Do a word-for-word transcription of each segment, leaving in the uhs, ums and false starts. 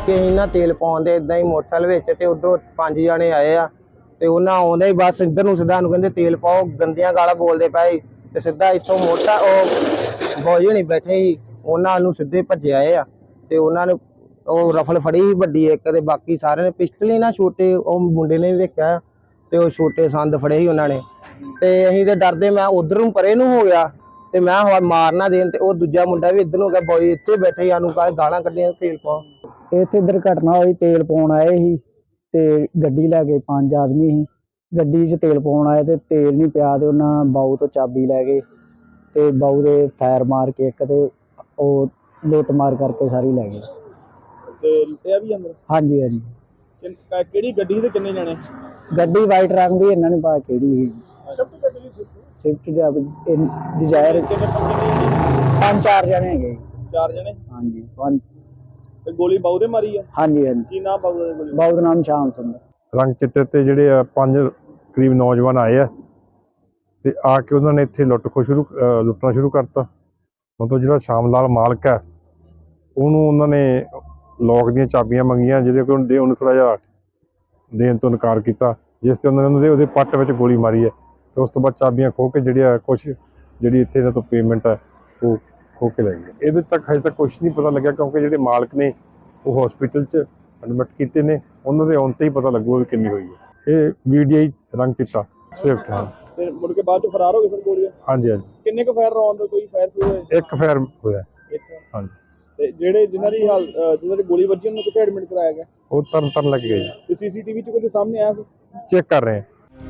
ਕਿ ਅਸੀਂ ਨਾ ਤੇਲ ਪਾਉਣ ਦੇ ਇਦਾਂ ਹੀ ਮੋਟਰਸਾਈਕਲ ਵਿੱਚ ਤੇ ਉਧਰੋਂ ਪੰਜ ਜਣੇ ਆਏ ਆ ਤੇ ਉਹਨਾਂ ਆਉਂਦੇ ਹੀ ਬਸ ਇੱਧਰ ਨੂੰ ਸਿੱਧਾ ਨੂੰ ਕਹਿੰਦੇ ਤੇਲ ਪਾਓ, ਗੰਦੀਆਂ ਗਾਲਾਂ ਬੋਲਦੇ ਪਏ ਤੇ ਸਿੱਧਾ ਇੱਥੋਂ ਮੋਟਾ ਉਹ ਬੋਝ ਨਹੀਂ ਬੈਠੇ ਸੀ ਉਹਨਾਂ ਨੂੰ ਸਿੱਧੇ ਭੱਜੇ ਆਏ ਆ ਤੇ ਉਹਨਾਂ ਨੇ ਉਹ ਰਫਲ ਫੜੀ ਸੀ ਵੱਡੀ ਇੱਕ ਤੇ ਬਾਕੀ ਸਾਰਿਆਂ ਨੇ ਪਿਸਟਲ ਹੀ ਨਾ ਛੋਟੇ ਉਹ ਮੁੰਡੇ ਨੇ ਵੀ ਵੇਖਿਆ ਤੇ ਉਹ ਛੋਟੇ ਸੰਦ ਫੜੇ ਸੀ ਉਹਨਾਂ ਨੇ ਤੇ ਅਸੀਂ ਤੇ ਡਰਦੇ ਮੈਂ ਉਧਰ ਨੂੰ ਪਰੇ ਨੂੰ ਹੋ ਗਿਆ ਤੇ ਮੈਂ ਹਵਾ ਮਾਰ ਨਾ ਦੇਣ ਤੇ ਉਹ ਦੂਜਾ ਮੁੰਡਾ ਵੀ ਇੱਧਰ ਨੂੰ ਗਿਆ ਬੋਏ ਇੱਥੇ ਬੈਠੇ ਸਾਨੂੰ ਕਹੇ ਗਾਲਾਂ ਕੱਢੀਆਂ ਤੇਲ ਪਾਓ। ਇੱਥੇ ਦੁਰਘਟਨਾ ਹੋਈ, ਤੇਲ ਪਾਉਣ ਆਏ ਸੀ ਤੇ ਗੱਡੀ ਲੈ ਕੇ ਪੰਜ ਆਦਮੀ ਸੀ ਗੱਡੀ 'ਚ ਤੇਲ ਪਾਉਣ ਆਏ ਤੇ ਤੇਲ ਨਹੀਂ ਪਿਆ ਤੇ ਉਹਨਾਂ ਬਾਊ ਤੋਂ ਚਾਬੀ ਲੈ ਗਏ ਤੇ ਬਾਊ ਦੇ ਫਾਇਰ ਮਾਰ ਕੇ ਇੱਕ ਤੇ ਉਹ ਲੁੱਟ ਮਾਰ ਕਰਕੇ ਸਾਰੀ ਲੈ ਗਏ ਤੇ ਲੁੱਟਿਆ ਵੀ ਅੰਦਰ। ਹਾਂਜੀ ਹਾਂਜੀ। ਕਿਹੜੀ ਗੱਡੀ ਤੇ ਕਿੰਨੇ ਜਣੇ? ਗੱਡੀ ਵਾਈਟ ਰੰਗ ਦੀ, ਇਹਨਾਂ ਨੇ ਪਾ ਕਿਹੜੀ ਸੀ ਸਵਿਫਟ ਡਿਜ਼ਾਇਰ। ਪੰਜ ਚਾਰ ਜਣੇ ਹੈਗੇ। ਚਾਰ ਜਣੇ? ਹਾਂਜੀ ਪੰਜ। ਤੇ ਗੋਲੀ ਬਾਊ ਦੇ ਮਾਰੀ ਆ? ਹਾਂਜੀ ਹਾਂਜੀ। ਕੀ ਨਾਮ ਬਾਊ ਦਾ? ਬਾਊ ਦਾ ਨਾਮ ਸ਼ਾਮ ਸਿੰਘ। ਰੰਗ ਚਿੱਟੇ ਤੇ ਜਿਹੜੇ ਆ ਪੰਜ ਕਰੀਬ ਨੌਜਵਾਨ ਆਏ ਆ ਤੇ ਆ ਕੇ ਉਹਨਾਂ ਨੇ ਇੱਥੇ ਲੁੱਟ ਖੋ ਸ਼ੁਰੂ ਲੁੱਟਣਾ ਸ਼ੁਰੂ ਕਰਤਾ। ਮਤਲਬ ਜਿਹੜਾ ਸ਼ਾਮ ਲਾਲ ਮਾਲਕ ਹੈ ਉਹਨੂੰ ਉਹਨਾਂ ਨੇ ਲੋਕ ਦੀਆਂ ਚਾਬੀਆਂ ਮੰਗੀਆਂ ਜਿਹਦੇ ਕੋਲ ਉਹਨੂੰ ਦੇ ਉਹਨੂੰ ਥੋੜ੍ਹਾ ਜਿਹਾ ਦੇਣ ਤੋਂ ਇਨਕਾਰ ਕੀਤਾ, ਜਿਸ ਤੇ ਉਹਨਾਂ ਨੇ ਉਹਦੇ ਪੱਟ ਵਿੱਚ ਗੋਲੀ ਮਾਰੀ ਹੈ ਤੇ ਉਸ ਤੋਂ ਬਾਅਦ ਚਾਬੀਆਂ ਖੋਹ ਕੇ ਜਿਹੜੀ ਆ ਕੁਛ ਜਿਹੜੀ ਇੱਥੇ ਇਹਨਾਂ ਤੋਂ ਪੇਮੈਂਟ ਹੈ ਉਹ ਖੋਹ ਕੇ ਲੈ ਗਏ। ਇਹਦੇ ਤੱਕ ਹਜੇ ਤੱਕ ਕੁਛ ਨਹੀਂ ਪਤਾ ਲੱਗਿਆ ਕਿਉਂਕਿ ਜਿਹੜੇ ਮਾਲਕ ਨੇ ਉਹ ਹਸਪੀਟਲ 'ਚ ਐਡਮਿਟ ਕੀਤੇ ਨੇ, ਉਹਨਾਂ ਦੇ ਆਉਣ ਤੇ ਹੀ ਪਤਾ ਲੱਗੂਗਾ ਵੀ ਕਿੰਨੀ ਹੋਈ ਹੈ। ਇਹ ਵੀ ਡੀ ਆਈ ਰੰਗ ਚਿੱਟਾ ਸਵਿਫਟ। ਹਾਂ ਤੇ ਮੁੜ ਕੇ ਬਾਅਦ 'ਚ ਫਰਾਰ ਹੋ ਗਏ ਸਰ ਗੋਲੀਆਂ? ਹਾਂਜੀ ਹਾਂਜੀ। ਕਿੰਨੇ ਕੁ ਫਾਇਰ ਰੌਂਡ ਦਾ ਕੋਈ ਫਾਇਰ ਹੋਇਆ? ਇੱਕ ਫਾਇਰ ਹੋਇਆ। ਹਾਂਜੀ। ਤੇ ਜਿਹੜੇ ਜਿਨ੍ਹਾਂ ਦੀ ਹਾਲ ਜਿਨ੍ਹਾਂ ਦੀ ਗੋਲੀ ਵੱਜੀ ਉਹਨੂੰ ਕਿੱਥੇ ਐਡਮਿਟ ਕਰਾਇਆ ਗਿਆ? ਉਹ ਤਰਨ ਤਾਰਨ ਲੱਗ ਗਏ। ਤੇ ਸੀਸੀਟੀਵੀ 'ਚ ਕੁਝ ਸਾਹਮਣੇ ਆਇਆ ਸੀ? ਚੈੱਕ ਕਰ ਰਹੇ ਹਾਂ।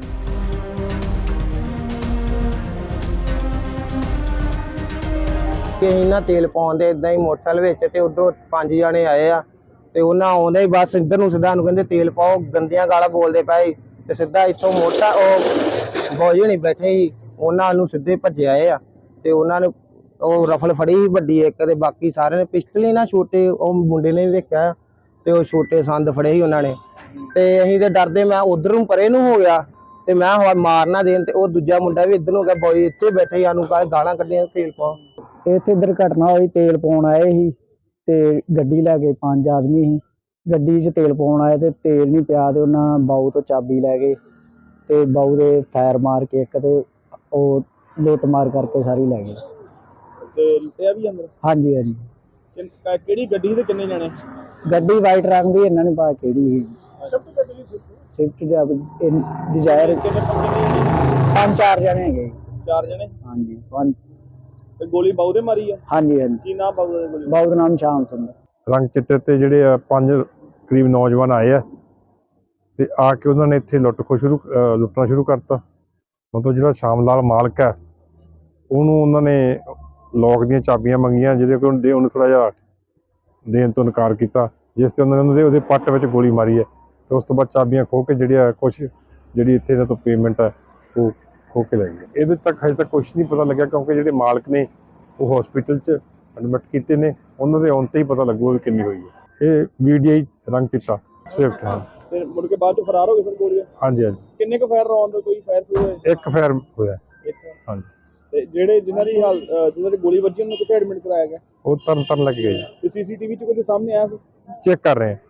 ਕਿ ਅਸੀਂ ਨਾ ਤੇਲ ਪਾਉਣ ਦੇ ਇਦਾਂ ਹੀ ਮੋਟਰਸਾਈਕਲ ਵਿੱਚ ਤੇ ਉਧਰੋਂ ਪੰਜ ਜਣੇ ਆਏ ਆ ਤੇ ਉਹਨਾਂ ਆਉਂਦੇ ਹੀ ਬਸ ਇੱਧਰ ਨੂੰ ਸਿੱਧਾ ਨੂੰ ਕਹਿੰਦੇ ਤੇਲ ਪਾਓ, ਗੰਦੀਆਂ ਗਾਲਾਂ ਬੋਲਦੇ ਪਏ ਤੇ ਸਿੱਧਾ ਇੱਥੋਂ ਮੋਟਾ ਉਹ ਬੋਝ ਨਹੀਂ ਬੈਠੇ ਸੀ ਉਹਨਾਂ ਨੂੰ ਸਿੱਧੇ ਭੱਜੇ ਆਏ ਆ ਤੇ ਉਹਨਾਂ ਨੇ ਉਹ ਰਫਲ ਫੜੀ ਸੀ ਵੱਡੀ ਇੱਕ ਤੇ ਬਾਕੀ ਸਾਰਿਆਂ ਨੇ ਪਿਸਟਲ ਹੀ ਨਾ ਛੋਟੇ ਉਹ ਮੁੰਡੇ ਨੇ ਵੀ ਵੇਖਿਆ ਤੇ ਉਹ ਛੋਟੇ ਸੰਦ ਫੜੇ ਸੀ ਉਹਨਾਂ ਨੇ ਤੇ ਅਸੀਂ ਤੇ ਡਰਦੇ ਮੈਂ ਉਧਰ ਨੂੰ ਪਰੇ ਨੂੰ ਹੋ ਗਿਆ ਤੇ ਮੈਂ ਹਵਾ ਮਾਰ ਨਾ ਦੇਣ ਤੇ ਉਹ ਦੂਜਾ ਮੁੰਡਾ ਵੀ ਇੱਧਰ ਨੂੰ ਗਿਆ ਬੋਏ ਇੱਥੇ ਬੈਠੇ ਸਾਨੂੰ ਕਹੇ ਗਾਲਾਂ ਕੱਢੀਆਂ ਤੇਲ ਪਾਓ। ਇੱਥੇ ਦੁਰਘਟਨਾ ਹੋਈ, ਤੇਲ ਪਾਉਣ ਆਏ ਸੀ ਤੇ ਗੱਡੀ ਲੈ ਕੇ ਪੰਜ ਆਦਮੀ ਸੀ ਗੱਡੀ 'ਚ ਤੇਲ ਪਾਉਣ ਆਏ ਤੇ ਤੇਲ ਨਹੀਂ ਪਿਆ ਤੇ ਉਹਨਾਂ ਬਾਊ ਤੋਂ ਚਾਬੀ ਲੈ ਗਏ ਤੇ ਬਾਊ ਦੇ ਫਾਇਰ ਮਾਰ ਕੇ ਇੱਕ ਤੇ ਉਹ ਲੁੱਟ ਮਾਰ ਕਰਕੇ ਸਾਰੀ ਲੈ ਗਏ। ਤੇ ਲੁੱਟਿਆ ਵੀ ਅੰਦਰ? ਹਾਂਜੀ ਹਾਂਜੀ। ਕਿਹੜੀ ਗੱਡੀ ਤੇ ਕਿੰਨੇ ਜਣੇ? ਗੱਡੀ ਵਾਈਟ ਰੰਗ ਦੀ, ਇਹਨਾਂ ਨੇ ਪਾ ਕਿਹੜੀ ਸੀ ਸਵਿਫਟ ਡਿਜ਼ਾਇਰ। ਪੰਜ ਚਾਰ ਜਣੇ ਹੈਗੇ। ਚਾਰ ਜਣੇ? ਹਾਂਜੀ ਪੰਜ। ਤੇ ਗੋਲੀ ਬਾਊ ਦੇ ਮਾਰੀ ਆ? ਹਾਂਜੀ ਹਾਂਜੀ। ਕੀ ਨਾਮ ਬਾਊ ਦਾ? ਬਾਊ ਦਾ ਨਾਮ ਸ਼ਾਮ ਸਿੰਘ। ਰੰਗ ਚਿੱਟੇ ਤੇ ਜਿਹੜੇ ਆ ਪੰਜ ਕਰੀਬ ਨੌਜਵਾਨ ਆਏ ਆ ਤੇ ਆ ਕੇ ਉਹਨਾਂ ਨੇ ਇੱਥੇ ਲੁੱਟ ਖੋ ਸ਼ੁਰੂ ਲੁੱਟਣਾ ਸ਼ੁਰੂ ਕਰਤਾ। ਮਤਲਬ ਜਿਹੜਾ ਸ਼ਾਮ ਲਾਲ ਮਾਲਕ ਹੈ ਉਹਨੂੰ ਉਹਨਾਂ ਨੇ ਲੋਕ ਦੀਆਂ ਚਾਬੀਆਂ ਮੰਗੀਆਂ ਜਿਹਦੇ ਕੋਲ ਦੇ ਉਹਨੂੰ ਥੋੜ੍ਹਾ ਜਿਹਾ ਦੇਣ ਤੋਂ ਇਨਕਾਰ ਕੀਤਾ, ਜਿਸ ਤੇ ਉਹਨਾਂ ਨੇ ਉਹਦੇ ਉਹਦੇ ਪੱਟ ਵਿੱਚ ਗੋਲੀ ਮਾਰੀ ਹੈ ਤੇ ਉਸ ਤੋਂ ਬਾਅਦ ਚਾਬੀਆਂ ਖੋਹ ਕੇ ਜਿਹੜੀ ਆ ਕੁਛ ਜਿਹੜੀ ਇੱਥੇ ਇਹਨਾਂ ਤੋਂ ਪੇਮੈਂਟ ਹੈ ਉਹ ਖੋਹ ਕੇ ਲੈ ਗਏ। ਇਹਦੇ ਤੱਕ ਹਜੇ ਤੱਕ ਕੁਛ ਨਹੀਂ ਪਤਾ ਲੱਗਿਆ ਕਿਉਂਕਿ ਜਿਹੜੇ ਮਾਲਕ ਨੇ ਉਹ ਹਸਪੀਟਲ 'ਚ ਐਡਮਿਟ ਕੀਤੇ ਨੇ, ਉਹਨਾਂ ਦੇ ਆਉਣ ਤੇ ਹੀ ਪਤਾ ਲੱਗੂਗਾ ਵੀ ਕਿੰਨੀ ਹੋਈ ਹੈ। ਇਹ ਵੀ ਡੀ ਆਈ ਰੰਗ ਚਿੱਟਾ ਸਵਿਫਟ। ਹਾਂ। ਤੇ ਮੁੜ ਕੇ ਬਾਅਦ 'ਚ ਫਰਾਰ ਹੋ ਗਏ ਸਰ ਗੋਲੀਆਂ? ਹਾਂਜੀ ਹਾਂਜੀ। ਕਿੰਨੇ ਕੁ ਫਾਇਰ ਰੌਂਡ ਦਾ ਕੋਈ ਫਾਇਰ ਹੋਇਆ? ਇੱਕ ਫਾਇਰ ਹੋਇਆ। ਹਾਂਜੀ। ਤੇ ਜਿਹੜੇ ਜਿਨ੍ਹਾਂ ਦੀ ਹਾਲ ਜਿਨ੍ਹਾਂ ਦੀ ਗੋਲੀ ਵੱਜੀ ਉਹਨੂੰ ਕਿੱਥੇ ਐਡਮਿਟ ਕਰਾਇਆ ਗਿਆ? ਉਹ ਤਰਨ ਤਾਰਨ ਲੱਗ ਗਏ। ਤੇ ਸੀਸੀਟੀਵੀ 'ਚ ਕੁਝ ਸਾਹਮਣੇ ਆਇਆ ਸੀ? ਚੈੱਕ ਕਰ ਰਹੇ ਹਾਂ।